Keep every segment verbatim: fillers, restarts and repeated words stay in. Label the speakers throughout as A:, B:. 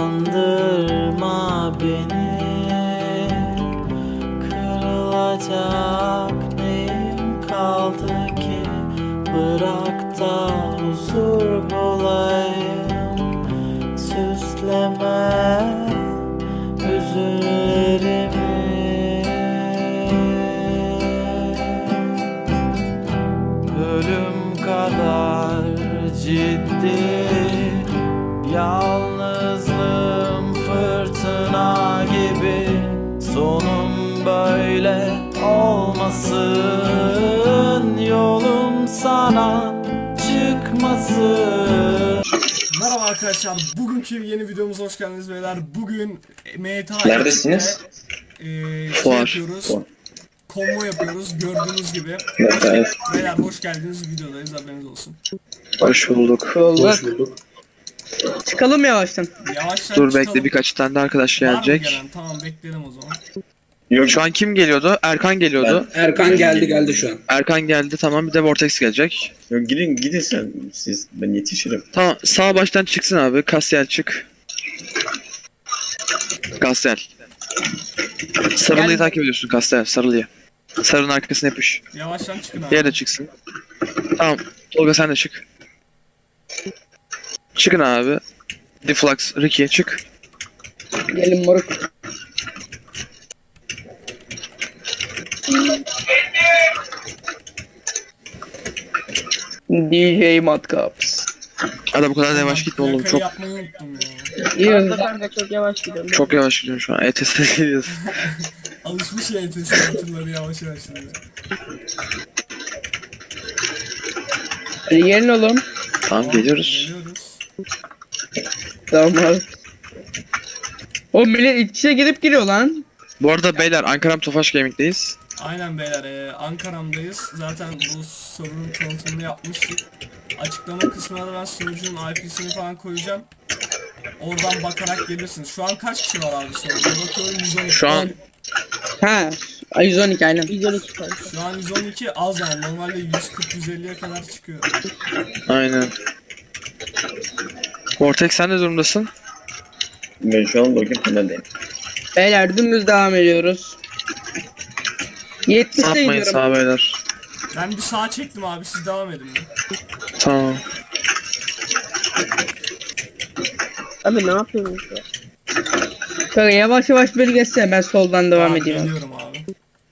A: Kandırma beni, kırılacak neyim kaldı ki? Bırak da huzur bulayım, süsleme hüzünlerimi. Ölüm kadar ciddi, yalnızlığım fırtına gibi. Sonum böyle olmasın, yolum sana çıkmasın.
B: Merhaba arkadaşlar, bugünkü yeni videomuza hoş geldiniz beyler. Bugün M T A
C: Neredesiniz?
B: E, şey
D: Fuar.
B: yapıyoruz. Konvo yapıyoruz gördüğünüz gibi.
C: Evet.
B: Beyler hoş geldiniz, videodayız, haberiniz olsun.
D: Hoş bulduk.
C: Hoş bulduk.
E: Çıkalım yavaştan.
B: Yavaştan
D: Dur
B: çıkalım.
D: bekle, birkaç tane de arkadaş
B: Var mı
D: gelecek.
B: gelen? Tamam, bekleyelim o zaman.
C: Yok
D: Şu an kim geliyordu? Erkan geliyordu.
F: Erkan geldi geldi şu an.
D: Erkan geldi, tamam, bir de Vortex gelecek.
C: yok gidin gidin sen siz, ben yetişirim.
D: Tamam, sağ baştan çıksın abi. Kasyel çık. Kasyel. Sarılıyı
E: Gel.
D: takip ediyorsun Kasyel, sarılıyı. Sarının arkasına yapış.
B: Yavaştan çıkın abi.
D: Diğeri de çıksın. Tamam, Tolga sen de çık. Çıkın abi. Deflux, Ricky çık.
E: Gelin moruk. D J Matkaps.
D: Hadi bu kadar da yavaş gitme oğlum,
B: Plakayı
D: çok
B: yapmayı unuttum ya.
E: İyi.
G: Kanka çok yavaş gidiyorum.
D: çok yavaş gidiyorsun şu an. E T S'e gidiyoruz.
B: Alışmış ya E T S motorları yavaş yavaş gidiyor.
E: Hadi gelin oğlum.
D: Tamam, geliyoruz.
B: Geliyoruz.
E: Tamam abi. O millet iç içe girip giriyor lan.
D: Bu arada beyler, Ankara Tofaş Gaming'deyiz.
B: Aynen beyler, e, Ankara'mdayız. Zaten bu sorunun tanıtımını yapmıştık. Açıklama kısmına da ben sunucunun I P'sini falan koyacağım. Oradan bakarak gelirsiniz. Şu an kaç kişi var abi soruda? Bakıyorum yüz on iki.
D: Şu an
E: Ha. Ay yüz on iki aynen.
G: yüz on iki kanka.
B: Şu an yüz on iki az yani. Normalde yüz kırk yüz elliye kadar çıkıyor.
D: aynen. Vortex sen ne durumdasın?
C: Ben şu an bugün finaldeyim.
E: Beyler dümdüz devam ediyoruz. yetmişte
D: Sapmayın
E: gidiyorum.
D: sağ beyler.
B: Ben bir sağa çektim abi, siz devam edin.
D: Tamam.
G: Abi ne yapıyorsunuz ya?
E: Kanka yavaş yavaş beni geçsene, ben soldan devam
B: Tamam,
E: edeyim.
B: geliyorum abi.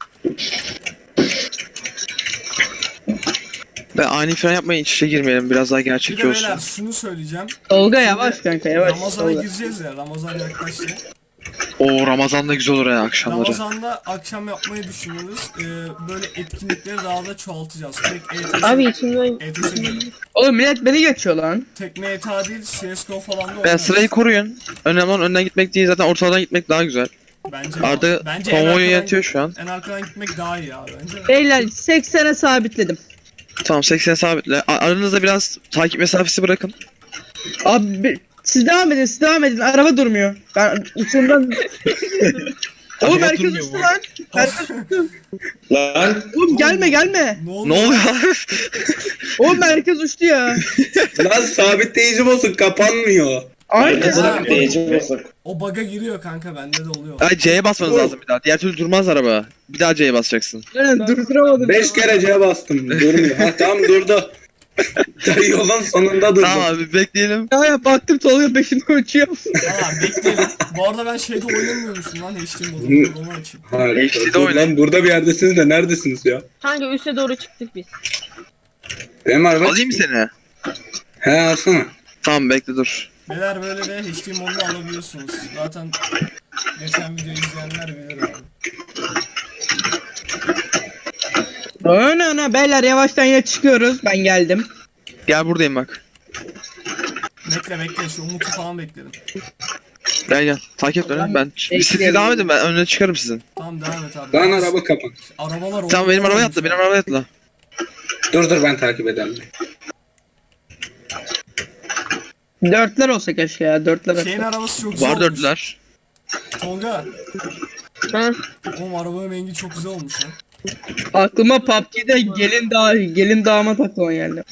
D: Ve ani fren yapmayın, iç içe girmeyelim, biraz daha
B: Bir de
D: gerçekçi olsun.
B: beyler şunu söyleyeceğim.
E: Tolga yavaş kanka yavaş.
B: Ramazan'a
E: Tolga.
B: gireceğiz ya. Ramazan yaklaştı.
D: Oo, Ramazan'da güzel olur ya akşamları.
B: Ramazan'da akşam yapmayı düşünüyoruz. Ee, böyle etkinlikleri daha da çoğaltacağız. Tek E T S,
G: Abi içimden
B: E T S değil.
E: Oğlum millet beni geçiyor lan.
B: Tek M T A değil, C S G O falan da
D: Ben
B: oynarız.
D: sırayı koruyun. Önemli olan önden gitmek değil, zaten ortadan gitmek daha güzel.
B: Bence,
D: Arda
B: bence en
D: konvoyu
B: arkadan-
D: yönetiyor şu an.
B: En arkadan gitmek daha iyi abi bence.
E: Beyler seksene sabitledim.
D: Tamam, seksen sabitle. A- Aranızda biraz takip mesafesi bırakın.
E: Abi bir- siz devam edin, siz devam edin. Araba durmuyor. Ben uçumdan... Oğlum
D: Araba
E: herkes
D: durmuyor
E: uçtu
D: bu.
E: lan. Herkes...
F: Lan
E: Oğlum gelme gelme.
B: Ne oldu?
D: Ne oluyor?
E: Oğlum herkes uçtu ya.
F: lan sabitleyici bozuk kapanmıyor.
E: Aynen.
B: Bırak.
C: Değici basık.
B: O bug'a giriyor kanka, bende de oluyor.
D: Ay, C'ye basmanız lazım bir daha. Diğer türlü durmaz araba. Bir daha C'ye basacaksın.
E: Aynen durduramadım.
F: Beş kere C'ye bastım durmuyor. Ha tamam durdu. Yolun sonunda durdu.
D: Tamam abi, bekleyelim.
E: Ya, ya baktım Tolga peşinden uçuyor.
B: Valla bekleyelim. Bu arada ben şeyde oynamıyormuşum lan, H D modunda, onu açayım.
F: Hayır,
D: H D'de
F: dur
D: oynayın.
F: lan burada bir yerdesiniz de neredesiniz ya?
G: hangi üste doğru çıktık biz?
F: Benim araba
D: Alayım mı seni?
F: He alsana.
D: Tamam, bekle dur.
B: Beyler böyle de H D modunu alabiliyorsunuz. Zaten geçen videoyu izleyenler bilir abi.
E: Öne öne beyler yavaştan yine çıkıyoruz. Ben geldim.
D: Gel, buradayım bak.
B: Bekle bekle, şu Umut'u falan bekledim.
D: Gel gel. Takip et beni. Ben siz
E: bekleyelim.
D: devam edin, ben önüne çıkarım sizin.
B: Tamam, devam et abi.
F: Lan araba kapan.
B: Arabalar
D: Tamam, benim arabaya
B: olmuş
D: atla, benim
B: ya.
D: arabaya atla.
F: Dur dur ben takip edeyim.
E: Dörtler olsa keşke ya. Dörtler
B: Şeyin
E: olsa.
B: arabası çok güzel
D: Var
B: olmuş.
D: dördüler.
B: Tolga.
G: Ha?
B: Oğlum arabanın rengi çok güzel olmuş ya.
E: Aklıma P U B G'de gelin dağı, gelin damat aklıma geldi.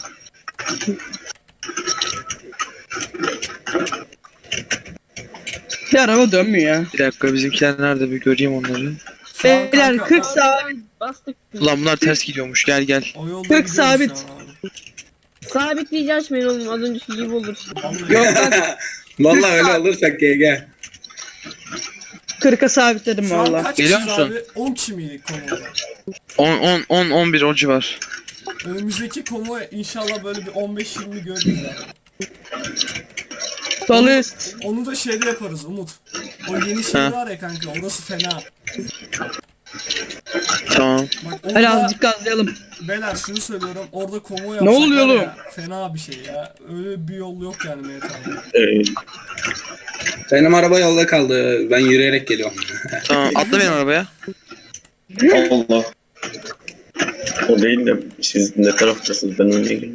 E: Bir araba dönmüyor ya.
D: Bir dakika bizimkiler nerede bir göreyim onları.
B: Şu an
E: Beyler
B: kanka,
E: kırk
B: o-
E: sabit.
G: Bastık.
D: Ulan bunlar ters gidiyormuş gel gel.
B: O yolda
E: kırk
B: gidiyoruz
E: sabit.
B: şu an abi.
G: Sabitleyeceğim açmayın oğlum. Az önceki gibi olur.
B: Vallahi.
E: Yok lan
F: Vallahi öyle olursak G G.
E: kırka sabitledim
B: Şu an
E: valla.
B: kaç
D: Geliyor
B: kişiyiz
D: musun?
B: abi? on kişi miydik komoda?
D: on on on on bir o civar.
B: Önümüzdeki komo inşallah böyle bir on beş yirmi görürüz abi.
E: Sol üst.
B: Onu da şeyde yaparız Umut. O yeni şey
D: Ha.
B: var ya kanka, orası fena.
D: Tamam.
B: Bak
E: Hadi
B: orada,
E: azıcık gazlayalım.
B: beyler şunu söylüyorum, orada komo yapsak
E: oluyor
B: var
E: oğlum?
B: ya, fena bir şey ya. Öyle bir yol yok yani Mehmet abi.
C: Ee,
F: Benim araba yolda kaldı. Ben yürüyerek geliyorum.
D: Tamam atla benim arabaya.
C: Allah. O değil de siz ne taraftasınız ben oraya geldim.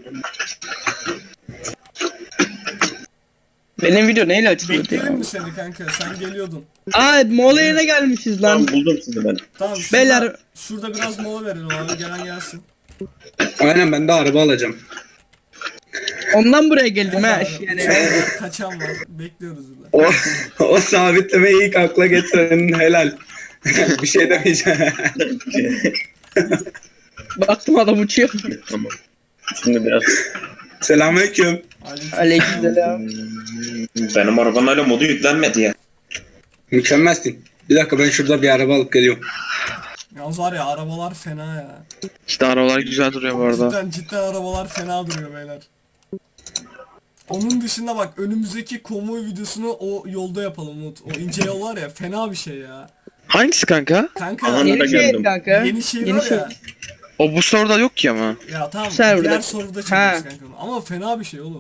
E: Benim video neyle açılıyor
B: Bekleyelim
E: ya?
B: mi seni kanka? Sen geliyordun.
E: Aa mola yerine gelmişiz lan.
C: Tamam buldum sizi ben.
B: Tamam şurada,
E: Beyler-
B: şurada biraz mola verelim abi, gelen gelsin.
F: Aynen ben de araba alacağım.
E: Ondan buraya geldim ha.
B: Abi,
E: Yani.
B: var, kaçan var. Bekliyoruz burada.
F: O, o sabitlemeyi ilk akla getirenin helal. Bir şey demeyeceğim.
E: Baktım adam uçuyor.
C: Tamam. Şimdi biraz
F: Selamünaleyküm.
E: Aleykümselam.
H: Benim arabanın hala modu yüklenmedi ya.
F: Mükemmelsin. Bir dakika ben şurada bir araba alıp geliyorum.
B: Yalnız var ya, arabalar fena ya.
D: İşte arabalar güzel duruyor bu arada.
B: Cidden cidden arabalar fena duruyor beyler. Onun dışında bak, önümüzdeki konvoy videosunu o yolda yapalım Umut. O ince yol var ya, fena bir şey ya.
D: Hangisi kanka?
B: Kanka
C: Aha,
B: yeni,
E: Yeni
C: da
E: şey
C: geldim.
E: kanka.
B: yeni şey
E: Yeni
B: var
E: şey.
B: ya.
D: O bu soruda yok ki ama.
B: Ya tamam,
E: Serverda.
B: diğer soruda
E: Ha.
B: çekeriz kanka onu. Ama fena bir şey oğlum.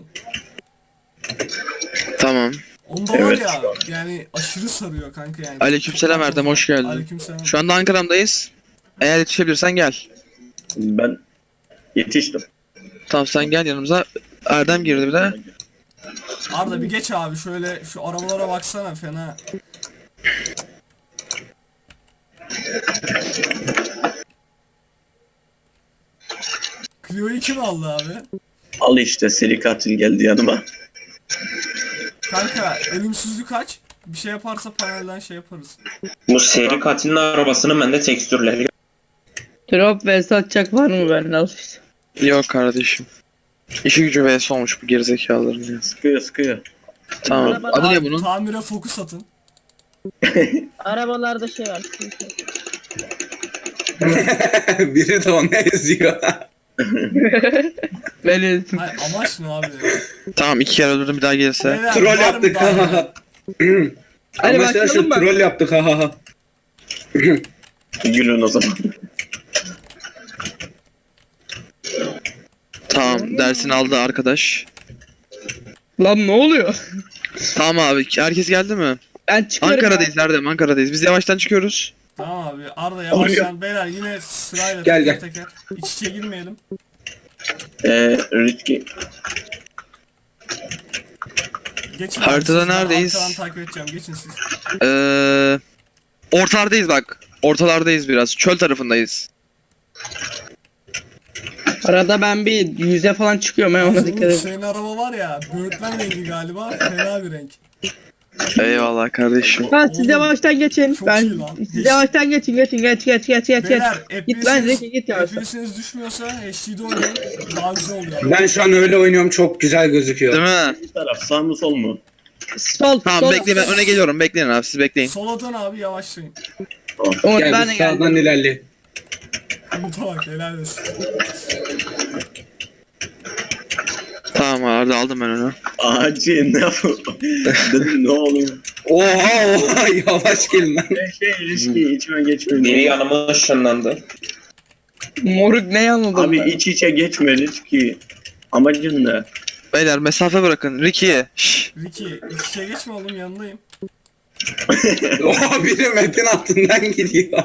D: Tamam.
B: Onda var
C: Evet.
B: ya, yani aşırı sarıyor kanka yani.
D: Aleykümselam Erdem, hoş geldin.
B: Aleykümselam.
D: Şu anda Ankara'mdayız. Eğer yetişebilirsen gel.
C: ben yetiştim.
D: Tamam sen gel yanımıza. Erdem girdi bir de.
B: Arda bir geç abi, şöyle şu arabalara baksana, fena. Clio'yu kim aldı abi?
C: Al işte seri katil geldi yanıma.
B: Kanka ölümsüzlük kaç? Bir şey yaparsa panelden şey yaparız.
H: Bu seri katilin arabasının bende tekstürleri.
E: Drop ve satacak var mı bende al işte.
D: Yok kardeşim. İşi gücü vs olmuş bu gerizekalıların ya.
C: Sıkıyor sıkıyor.
D: Tamam. Adı ne bunun?
B: Tamire fokus atın.
G: Arabalarda şey var. sıkıntı yok.
F: Biri de onu eziyor.
E: Böyle
B: Hayır, amaç ne abi?
D: Tamam iki kere öldürdüm bir daha gelirse.
B: Beyler,
F: Troll
B: var mı
F: yaptık
B: daha
F: ha ha ha.
E: Hadi
F: Ama sen
E: başlayalım
F: şu
E: mı?
F: troll yaptık ha ha ha.
C: Gülün o zaman.
D: Tamam dersini aldı arkadaş.
E: Lan ne oluyor?
D: Tamam abi herkes geldi mi?
E: Ben çıkıyorum.
D: Ankara'dayız Erdem Ankara'dayız. Biz yavaştan çıkıyoruz.
B: Tamam abi, Arda yavaştan. Beyler yine sırayla
F: Gel,
B: teker
F: gel.
B: teker. İç içe girmeyelim.
C: Eee Ritki.
B: Geçin abi,
D: Haritada
B: siz, ben
D: neredeyiz?
B: arkadan takip edeceğim, geçin siz.
D: Ee, ortalardayız bak. Ortalardayız biraz. Çöl tarafındayız.
E: Arada ben bir yüze falan çıkıyorum ha ona
B: Yalnız
E: dikkat
B: Umut,
E: edin.
B: senin araba var ya, böğürtlen rengi galiba, fena bir renk.
D: Eyvallah kardeşim.
E: Ben siz
B: Oğlum,
E: yavaştan geçin.
B: çok
E: Ben
B: iyi lan.
E: siz yavaştan geçin geçin geç geç geç geç geç.
B: Beyler
E: Git lan Zeki git yavaştan.
B: F P S'iniz düşmüyorsa H D'de oynayın, daha güzel oluyor.
F: Ben şu an öyle oynuyorum çok güzel gözüküyor.
D: Değil mi?
C: Bir taraf sağ mı sol mu?
E: Sol
D: Tamam
E: sol.
D: bekleyin ben öne geliyorum. Bekleyin abi siz bekleyin.
B: Sola'dan abi yavaşlayın.
E: Umut
F: Gel
E: ben de
F: biz sağdan
E: geldim.
F: ilerleyelim.
B: Umut'a bak, helal olsun.
D: Tamam Arda aldım ben onu.
C: Acil ne yapıyor? Dedim ne oluyor?
F: Oha oha yavaş gelin lan.
C: Şey, şey ilişki içime geçmiyor.
H: Biri yanıma ışınlandı.
E: Moruk ne yanıldım
C: Abi
E: ben.
C: iç içe geçme ilişki. Amacın ne?
D: Beyler mesafe bırakın. Ricky'ye. Şşş.
B: Ricky, iç içe geçme oğlum, yanındayım.
F: Oha biri metin altından gidiyor.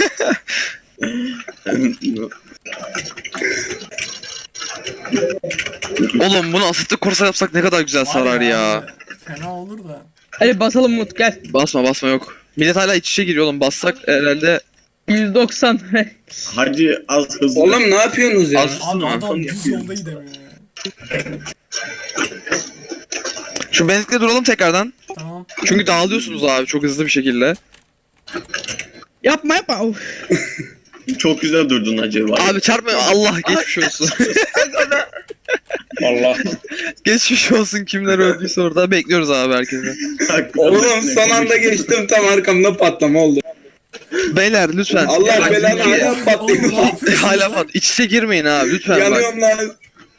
D: Oğlum bunu asitli korsa yapsak ne kadar güzel sarar
B: Var
D: ya.
B: abi, fena olur da.
E: Hadi basalım Umut gel.
D: Basma basma yok. Millet hala iç içe giriyor oğlum. Bassak herhalde
E: yüz doksan.
C: Hacı az hızlı.
F: Oğlum ne yapıyorsunuz ya?
D: Az-
B: Abi
D: Tamam,
B: adam
C: tamam,
B: düz
C: yapıyorum.
B: yolda gidemiyor ya.
D: Şu benzinlikte duralım tekrardan.
B: Tamam.
D: Çünkü dağılıyorsunuz abi çok hızlı bir şekilde.
E: Yapma yapma. Of.
C: Çok güzel durdun acaba.
D: Abi çarpma Allah geçmiş olsun.
H: Allah.
D: Geçmiş olsun kimler öldüyse orada bekliyoruz abi herkese.
F: Oğlum son anda geçtim tam arkamda patlama oldu.
D: Beyler lütfen.
F: Allah
D: Bak,
F: belanı
D: iki-
F: hala patlıyor.
D: Hala pat. İç içe girmeyin abi lütfen bak.
F: Yanıyorum lan.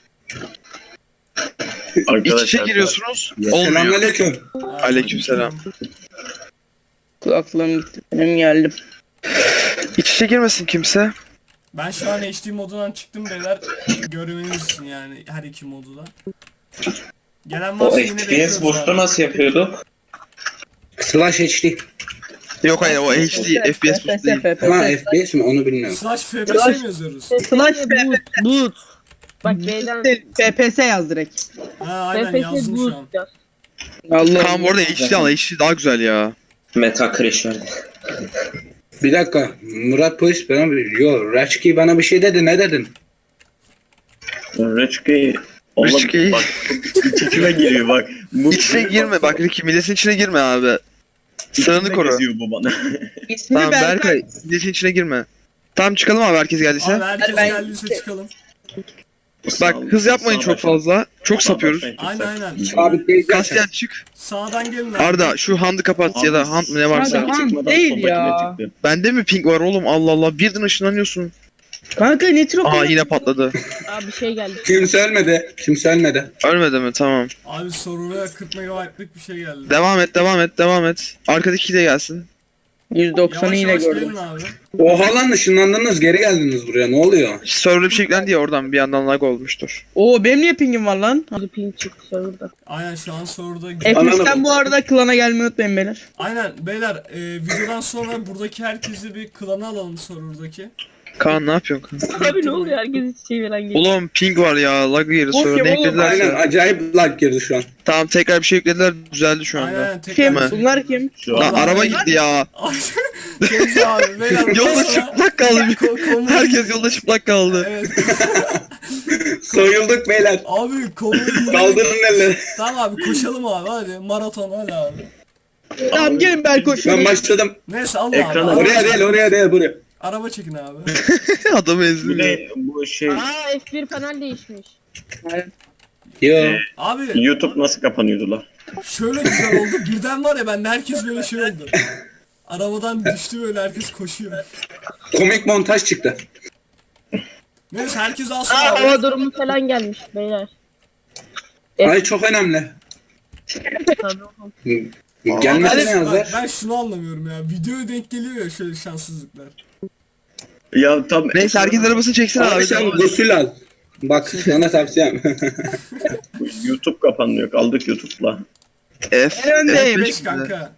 D: İç içe giriyorsunuz. Olmuyor.
F: Selamünaleyküm.
D: Aleykümselam.
E: Kulaklığım gitti. Benim geldim.
D: İç içe girmesin kimse.
B: Ben şu an H D modundan çıktım beyler. Görmeniz için yani her iki modu da. Gelen
H: O
B: varsa yine
H: F P S
B: bekliyoruz
H: boost'u
B: abi.
H: nasıl yapıyorduk?
F: Slash H D.
D: Yok hayır o H D F P S boost değil.
F: Ha F P S mi onu bilmiyorum.
B: Slash F P S mi yazıyoruz?
E: Slash
G: Boot. Boot. Bak B'den
E: F P S yaz direkt.
B: Ha aynen
G: F P S
B: yazdım şu
G: boot
B: an.
G: yaz.
E: Allah.
D: Tamam orada H D al H D daha güzel ya.
H: Meta crash verdi.
F: Bir dakika. Murat polis bana bir... Yo Raçki bana bir şey dedi. Ne dedin?
C: Reçki. Oğlum
D: Reçki.
C: bak iç içime giriyor bak. Bu,
D: İç içe girme bak Ricky milletin içine girme abi.
C: İçimde
D: Sıranı koru.
C: geziyor bu bana.
E: İsmi
D: Tamam
E: Berkay.
D: Berkay milletin içine girme. Tamam çıkalım abi herkes geldiyse.
B: Abi herkes
E: Ben-
B: geldiyse çıkalım.
D: Bak hız yapmayın
C: Sağ
D: çok
C: baş-
D: fazla. Çok
C: sağ
D: sapıyoruz.
C: baştan
B: Aynen
C: gitsek.
B: aynen.
F: Sabitleyeceğim.
D: Kasyan çık.
B: Sağdan gelin abi.
D: Arda şu handı kapat ya da hand mı ne varsa.
E: Kanka, hand
C: Çıkmadan
E: değil
C: soldakine
E: ya.
C: çıktı.
D: Bende mi ping var oğlum Allah Allah birden ışınlanıyorsun.
E: Kanka nitro
D: Aa yine patladı.
G: Abi bir şey geldi.
F: Kimse ölmedi. Kimse ölmedi.
D: Ölmedi mi tamam.
B: Abi soruna kırk megabaytlık bir şey geldi.
D: Devam et devam et devam et. Arkadaki de gelsin.
E: yüz doksanı
B: Yavaş
E: yine
B: yavaş
E: gördüm.
B: gelin abi.
F: Oha lan ışınlandınız geri geldiniz buraya ne oluyor?
D: Server'da bir şey yüklendi ya oradan bir yandan lag olmuştur.
E: Oo benim niye pingim var lan?
G: Hadi ping çıktı serverda.
B: Aynen şu an soruda.
E: F P S'ten bu arada klana gelmeyi unutmayın beyler.
B: Aynen beyler e, videodan sonra buradaki herkesi bir klana alalım sorudaki.
D: Kaan ne yapıyorsun Kaan?
G: Abi ne oluyor herkes çiçeği veren geliyor.
D: Oğlum ping var ya lag yeri
E: Oğlum,
D: server ne
E: oğlum,
D: eklediler
F: Aynen
D: ya.
F: acayip lag girdi şu an.
D: Tamam tekrar bir şey yüklediler düzeldi şu
B: Aynen
D: anda.
B: aynen tekrar.
E: Kim?
D: mi?
E: Bunlar kim?
C: Şu
D: Lan
C: an
D: araba gitti ya.
B: Kimse abi beyler. bundan
D: Yolda
B: sonra-
D: çıplak kaldı.
B: Ko- konu-
D: Herkes yolda çıplak kaldı.
B: Evet.
F: Soyulduk beyler.
B: Abi konuyu
F: Kaldırın elleri.
B: Tamam abi koşalım abi hadi maraton hadi abi.
E: Tamam gelin ben koşuyorum.
F: Ben başladım.
B: Neyse al
C: Ekrana-
B: abi.
F: Oraya değil oraya değil buraya.
B: Araba çekin abi.
D: Adamı
C: bu
D: ezdim ya.
C: ne bu şey
G: Aa F bir panel değişmiş.
F: Yo.
B: Abi
C: YouTube nasıl kapanıyordu lan?
B: şöyle güzel oldu. Birden var ya bende herkes böyle şey oldu. Arabadan düştü böyle herkes koşuyor.
F: Komik montaj çıktı.
B: Neyse herkes alsın
G: Aa
B: abi.
G: hava durumu falan gelmiş beyler.
F: Ay çok önemli.
G: Tabii oğlum.
F: Gelmesine
B: Ben,
F: yazar.
B: ben şunu anlamıyorum ya. Videoya denk geliyor ya şöyle şanssızlıklar.
C: Ya tam
D: Neyse herkes arabasını çeksin
F: Abi
D: abi.
F: sen gusül al. Bak sana tavsiyem.
C: YouTube kapanmıyor. Kaldık YouTube'la.
D: F.
E: Öndeyim.
D: F
B: Beş kanka.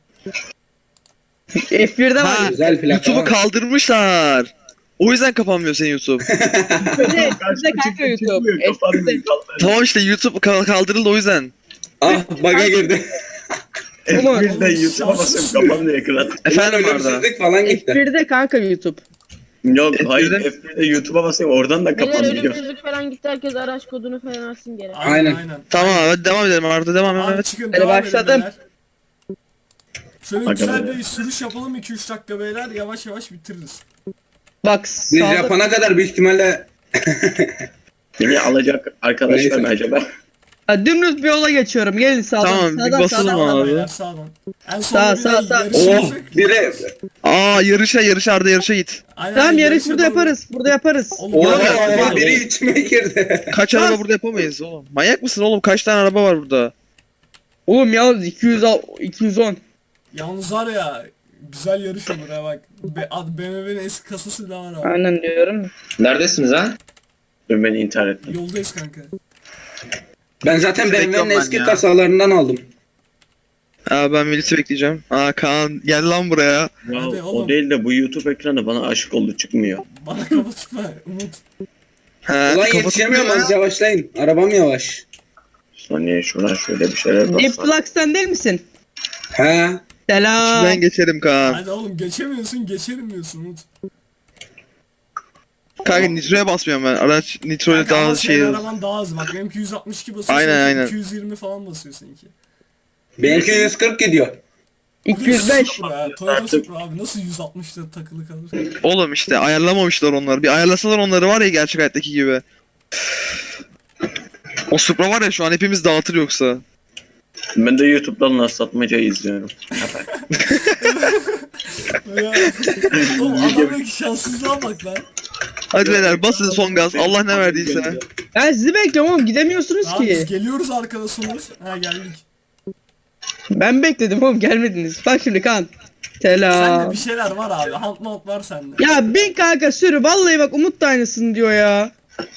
E: F bir'de var.
D: Ha,
F: Güzel plaka.
D: YouTube'u kaldırmışlar. O yüzden kapanmıyor senin YouTube.
E: F bir'de kanka YouTube. F bir'de.
C: Kapanmıyor.
D: Tamam işte YouTube kal- kaldırıldı o yüzden.
F: Ah baga girdi.
E: Oğlum,
C: Birden YouTube'a basıyorum kapanmıyor ekran.
D: Efendim Arda.
F: Ölümsüzlük falan
E: F
F: gitti.
E: bir'de kanka YouTube.
C: Yok
D: F bir'de
C: hayır F bir'de YouTube'a basıyorum oradan da
G: Beyler
C: kapanıyor.
G: ölümsüzlük falan gitti herkes araç kodunu falan alsın geri.
B: Aynen.
F: Aynen.
B: aynen.
D: Tamam hadi devam edelim Arda devam
B: Abi
D: evet.
B: çıkın
E: Hadi
B: devam edin
E: başladım.
B: beyler. Şöyle
C: Aga
B: güzel
C: be.
B: bir sürüş yapalım iki üç dakika beyler yavaş yavaş bitiririz.
E: Bak
F: Biz
E: sağda.
F: yapana kadar büyük ihtimalle
C: Beni alacak arkadaşlar mı
F: Neyse.
C: acaba?
E: Ha, dümdüz bir yola geçiyorum. Gelin sağdan.
D: Tamam, bir
E: sağdan,
D: basalım
E: sağdan.
D: abi.
B: Sağdan beyler sağdan. En
E: Sağ,
B: sonunda
E: sağ,
B: bir
E: sağ.
F: oh
B: yarışırsak-
F: biri
D: Aa yarışa yarışa Arda yarışa git.
B: Aynen,
E: Tamam yarış
B: yarışa
E: burada
B: doğru.
E: yaparız. Burada yaparız.
B: Oğlum,
F: oha
B: burada-
F: oha biri içime girdi.
D: Kaç araba burada yapamayız oğlum. Manyak mısın oğlum kaç tane araba var burada.
E: Oğlum yalnız iki yüz al- iki yüz on.
B: Yalnız var ya güzel yarış olur ha bak. Be B M W'nin eski kasası bile var abi.
E: Aynen diyorum.
H: Neredesiniz ha?
C: Dur beni intihar etme.
B: Yoldayız kanka.
F: Ben zaten
D: Sizi
F: B M W'nin
D: bekliyorum
F: eski
D: ben ya.
F: kasalarından aldım.
D: Aa ben milleti bekleyeceğim. Aa Kaan gel lan buraya.
C: Ya,
B: Hadi oğlum.
C: o değil de bu YouTube ekranı bana aşık oldu çıkmıyor.
B: Bana kafa tutma Umut.
D: He,
F: Ulan
D: kapatıp
F: yetişemiyorum
D: duruyor
F: az
D: ya.
F: yavaşlayın. Arabam yavaş.
C: Saniye şuradan şöyle bir şeyler
E: Deep
C: bassam.
E: Flux'tan değil misin?
F: He.
E: Selam.
D: İçinden geçerim Kaan.
B: Hadi oğlum geçemiyorsun geçerim diyorsun Umut.
D: Kanka nitroya basmıyorum ben. Araç nitroyla
B: Kanka ama
D: daha
B: senin
D: şey.
B: araban daha hızlı bak benimki yüz altmış iki basıyor
D: Aynen,
B: seninki
D: aynen.
B: iki yüz yirmi falan basıyor seninki.
F: Benimki yüz kırk gidiyor.
E: iki yüz beş.
B: Supra ya, Toyota Supra abi nasıl yüz altmışta takılı kalır?
D: Oğlum işte ayarlamamışlar onları. Bir ayarlasalar onları var ya gerçek hayattaki gibi. O Supra var ya şu an hepimiz dağıtır yoksa.
C: Ben de YouTube'dan nasıl satmacayı izliyorum.
B: Ya, oğlum adamdaki şanssızlığa bak lan.
D: Hadi beyler basın son gaz. Allah ne verdiyse.
E: Ben sizi bekliyorum oğlum gidemiyorsunuz
B: Abi biz
E: ki.
B: geliyoruz arkada sonuz. Ha geldik.
E: Ben bekledim oğlum gelmediniz. Bak şimdi kan.
B: Sende
E: Selam.
B: bir şeyler var abi. Hunt mount var sende.
E: Ya bin kanka sürü vallahi bak Umut da aynısını diyor ya.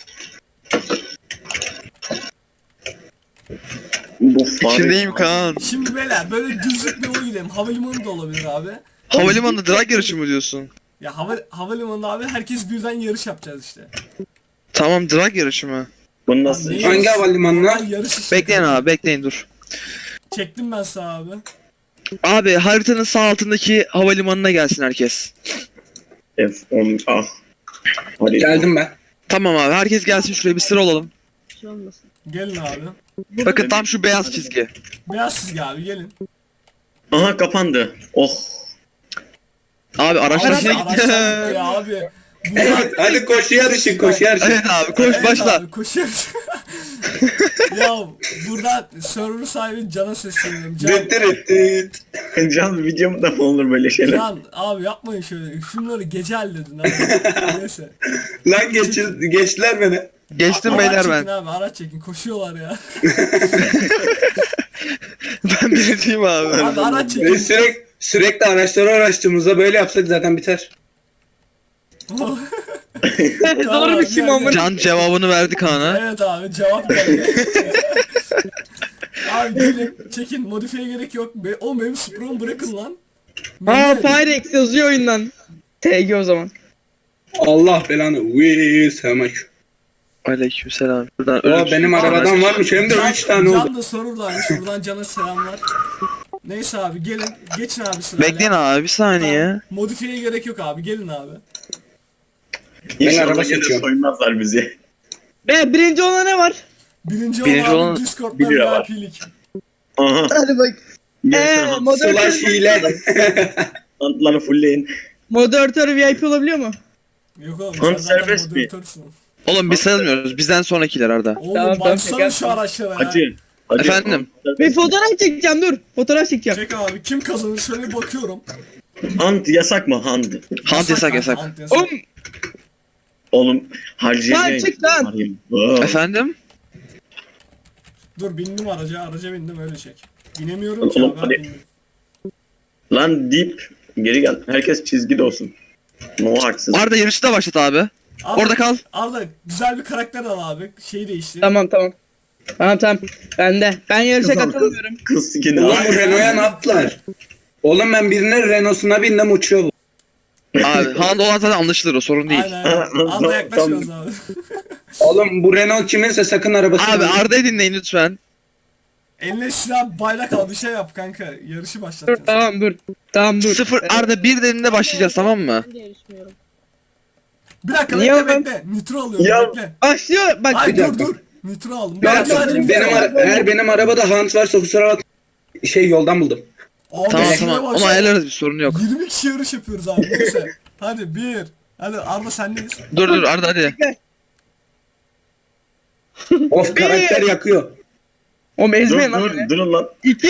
C: Bu fare...
D: İçindeyim Kaan.
B: Şimdi beyler böyle düzlük bir yol gidelim. Havalimanı da olabilir abi.
D: Havalimanında drag yarışı mı diyorsun?
B: Ya hava, havalimanında abi herkes birden yarış yapacağız işte.
D: Tamam drag yarışı mı?
C: Bu nasıl?
B: Abi,
F: Hangi havalimanına?
B: Normal yarış işte.
D: Bekleyin abi bekleyin dur.
B: Çektim ben sağ abi.
D: Abi haritanın sağ altındaki havalimanına gelsin herkes.
C: F on ah. Hadi.
F: Geldim ben.
D: Tamam abi herkes gelsin şuraya bir sıra olalım.
G: Bir şey olmasın.
B: Gelin abi.
D: Bakın tam şu beyaz çizgi.
B: Beyaz çizgi abi gelin.
C: Aha kapandı. Oh.
D: Abi araçlar
B: Araç-
D: içine gitti.
B: araçlar gitti ya abi. Bu
F: Evet hadi koşu yarışı koşu yarışı.
D: Evet abi koş
B: Evet
D: başla.
B: abi, koşuyoruz. Ya buradan server sahibi Can'a sesleniyorum. Can,
F: Dıt dıt dıt.
C: Can videomda mı olur böyle şeyler?
B: Can abi yapmayın şöyle. Şunları gece halledin abi. Neyse.
F: Lan geç, geçtiler beni.
D: Geçtim
B: Araç
D: beyler
B: çekin
D: ben.
B: abi araç çekin. Koşuyorlar ya.
D: Ben birinciyim abi.
B: Abi araç
F: Biz
B: çekin.
F: sürekli, sürekli araçları araştırdığımızda böyle yapsak zaten biter.
E: Doğru bir şey mi amına?
D: Can cevabını verdi Kaan'a.
B: Evet abi cevap geldi. Abi gelin çekin modifiye gerek yok. Be o benim Supra'mı bırakın lan.
E: Aa Firex yazıyor oyundan. T G o zaman.
F: Allah belanı. Wii sevmek.
D: Aleykümselam. Buradan
F: O
D: ölüm-
F: benim arabadan varmış hem de
B: Can,
F: üç tane oldu.
B: Can da sorurdaymış. Buradan Can'a selamlar. Neyse abi gelin. Geçin abi sırayla.
D: Bekleyin abi bir saniye.
B: Tamam, Modifiye gerek yok abi. Gelin abi.
C: İnşallah
F: araba
C: gene
F: seçiyorum.
C: soymazlar bizi.
E: Be birinci olana ne var?
B: Birinci,
D: Birinci
B: olan
D: olan-
B: abi Discord'dan
C: bir lira
B: V
C: var.
B: I P'lik.
C: Aha.
E: Hadi bak.
C: Gelsin
E: Eee moderatör,
F: Slash hile.
C: Antları fullleyin.
E: moderatör V I P olabiliyor mu?
B: Yok oğlum
C: Hunt
B: sen zaten
C: serbest mi?
B: moderatörsün.
D: Oğlum biz sayılmıyoruz. Bizden sonrakiler Arda.
B: Oğlum
E: Tamam, tamam,
B: baksana
E: şaka
B: şu araçlara ya.
C: Hacı. Hacı.
D: Efendim?
E: Bir fotoğraf çekeceğim dur. Fotoğraf çekeceğim.
B: Çek abi kim kazanır şöyle bir bakıyorum.
C: Hunt yasak mı Hunt?
D: Hunt yasak
B: abi,
D: yasak.
B: Hunt yasak.
E: Oğlum
C: Oğlum harcayacağım.
E: Lan çık lan.
D: Efendim?
B: Dur bindim araca araca bindim öyle çek. Binemiyorum ki
C: Oğlum,
B: abi.
C: hadi.
B: ben bindim.
C: Lan deyip geri gel. Herkes çizgide olsun. No haksız.
D: Arda yarışı da başlat abi.
B: Arda,
D: Orada kal.
B: Arda güzel bir karakter al abi. Şeyi değiştir.
E: tamam tamam. Tamam tamam. Ben de. Ben yarışa
C: Kızım,
E: katılmıyorum.
C: Kız skin
F: Oğlum
C: al.
F: bu Renault'a ne yaptılar? Oğlum ben birinin Renault'suna bindim uçuyor bu.
D: Abi Han'da olan zaten anlaşılır o sorun değil.
B: Aynen aynen. Arda yaklaşmıyoruz abi.
F: Oğlum bu Renault kiminse sakın arabasını
D: Abi
F: alma.
D: Arda'yı dinleyin lütfen.
B: Eline silah bayrak al bir şey yap kanka. Yarışı
E: Dur
B: başlatacağız.
E: tamam dur. Tamam dur.
D: Sıfır Arda bir deninde başlayacağız tamam mı?
G: Ben de yarışmıyorum.
B: Bir dakika
E: Niye
B: bekle
E: oğlum?
B: bekle. Nitro alıyorum
C: Ya-
B: bekle.
E: Başlıyor bak.
B: Ay
F: bir
B: dur
F: dakika.
B: dur. Nitro aldım.
F: Bir
B: Ben
F: dakika,
B: sadece
F: benim
B: nitro
F: ara-
B: aldım.
F: eğer benim arabada Hunt varsa kusura bak şey yoldan buldum.
B: Abi
D: Tamam
B: şuna
D: tamam
B: baksana.
D: onu ayarlarız bir sorun yok.
B: yirmi kişi yarış yapıyoruz abi neyse. Hadi bir. Hadi Arda sendeyiz.
D: Dur dur Arda hadi.
F: Of karakter yakıyor.
E: Oğlum
C: Dur
E: ezmeyin lan.
C: dur
E: beni.
C: durun lan.
E: İki.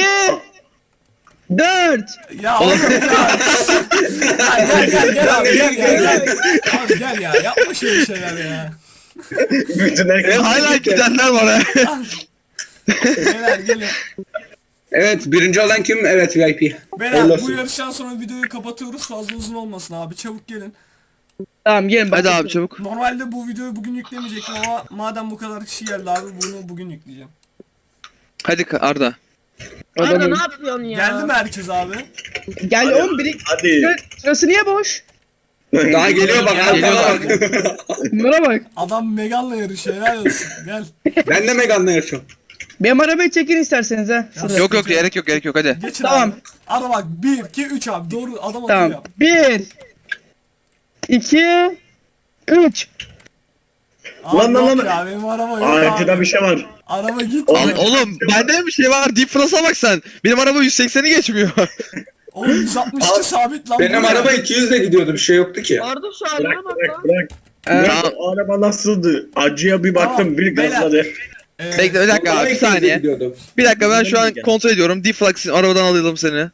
E: Dört.
B: Ya oğlum ya. Ya gel gel gel abi gel gel gel. Abi gel ya yapma şöyle şeyler ya.
C: Bütün
D: E,
C: herkes.
D: hala gidenler var ha.
B: Beyler gelin.
F: Evet birinci olan kim? Evet V I P.
B: Beyler
F: Hayırlı
B: bu
F: olsun.
B: yarıştan sonra videoyu kapatıyoruz fazla uzun olmasın abi çabuk gelin.
E: Tamam gelin bak.
D: Hadi abi çabuk.
B: Normalde bu videoyu bugün yüklemeyecektim ama madem bu kadar kişi geldi abi bunu bugün yükleyeceğim.
D: Hadi Ka- Arda.
G: Arda ne yapıyorsun ya?
B: Geldi mi herkes abi?
E: Gel oğlum biri.
C: Hadi.
E: Sıra- Sırası niye boş?
F: Daha geliyor bak.
D: Geliyor
F: arkana
D: bak.
F: bak.
E: Bunlara bak.
B: Adam Megan'la yarışıyor helal olsun gel.
F: Ben de Megan'la yarışıyorum.
E: Benim arabayı çekin isterseniz ha. Şurada.
D: Yok yok gerek yok gerek yok hadi.
B: Geçin
E: Tamam.
B: abi. Arda bak bir iki üç abi doğru adam akıllı
E: Tamam.
B: yap.
E: Bir. İki. Üç.
B: Abi
C: Lan, lan,
B: yok
C: lan.
B: ya benim araba yok
C: Aa, arkada
B: abi.
C: bir şey var.
B: Araba git.
C: Oğlum,
D: Lan oğlum bende de bir şey var. Deep Frost'a bak sen. Benim araba yüz sekseni geçmiyor.
B: Oğlum yüz altmış iki sabit lan. bu
F: Benim
B: ne?
F: araba iki yüzle gidiyordu bir şey yoktu ki.
G: Arda şu haline
C: Bırak
G: bak
C: bırak
G: lan.
C: bırak.
E: Ee,
C: Bırak, o araba nasıldı? Acıya bir baktım
B: Tamam,
C: bir
B: beyler.
C: gazladı.
B: Ee,
D: Bekle bir dakika
F: Araba
D: abi bir
F: iki yüzle
D: saniye.
F: gidiyordu.
D: Bir dakika ben şu an
C: Gel.
D: kontrol ediyorum. Deflux'in arabadan alalım seni.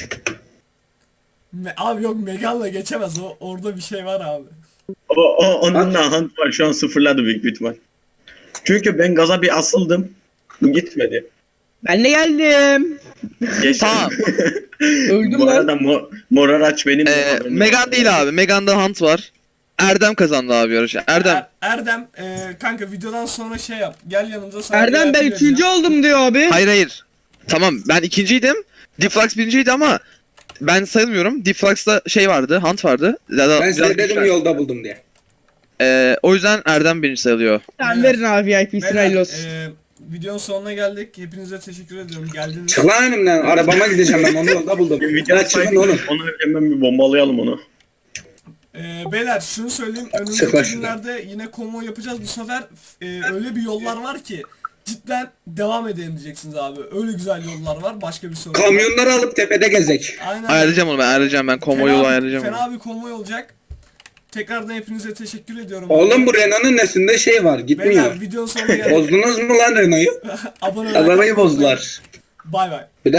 B: me- abi yok Megan'la geçemez. O orada bir şey var abi.
C: O, o onunla Hunt var şu an sıfırladı büyük bir ihtimal. Çünkü ben gaza bir asıldım. Bu gitmedi.
E: Ben de geldim.
C: Geçtim.
D: Tamam.
E: Öldüm
C: Bu
E: lan.
C: arada mo mor araç benim.
D: Ee, Megan değil abi. Megan'da Hunt var. Erdem kazandı abi yarışı. Erdem.
B: Er- Erdem e, kanka videodan sonra şey yap. Gel yanımıza sana
E: Erdem
B: bir
E: ben
B: yardım
E: üçüncü
B: edeceğim.
E: oldum diyor abi.
D: Hayır hayır. Tamam ben ikinciydim. Deflux birinciydi ama ben sayılmıyorum. Deflux'ta şey vardı, Hunt vardı. Daha,
F: Ben size dedim yolda buldum diye.
D: Ee, o yüzden Erdem birinci sayılıyor.
E: Sen verin abi V I P'sini
B: Beyler,
E: hayırlı olsun.
B: e, videonun sonuna geldik. Hepinize teşekkür ediyorum. Geldiniz.
F: Çık lan önümden. Arabama gideceğim ben onu yolda buldum.
C: Video
F: Ya çıkın oğlum.
C: Onu hemen bir bombalayalım onu.
B: Ee, beyler şunu söyleyeyim.
F: Sıkla
B: Önümüzdeki
F: şunu.
B: günlerde yine konvoy yapacağız. Bu sefer e, öyle bir yollar var ki cidden devam edelim diyeceksiniz abi. Öyle güzel yollar var. Başka bir sorun yok.
F: Kamyonları alıp tepede gezek.
B: Aynen.
D: Ayarlayacağım onu ben ayarlayacağım ben. Konvoy yolu ayarlayacağım onu.
B: Fena bir konvoy olacak. Tekrardan hepinize teşekkür ediyorum.
F: Oğlum bu Renault'un nesinde şey var gitmiyor.
B: Beyler videonun sonuna geldik.
F: Bozdunuz mu lan Renault'u?
B: Abone olmayı
F: Arabayı bozdular.
B: Bay bay.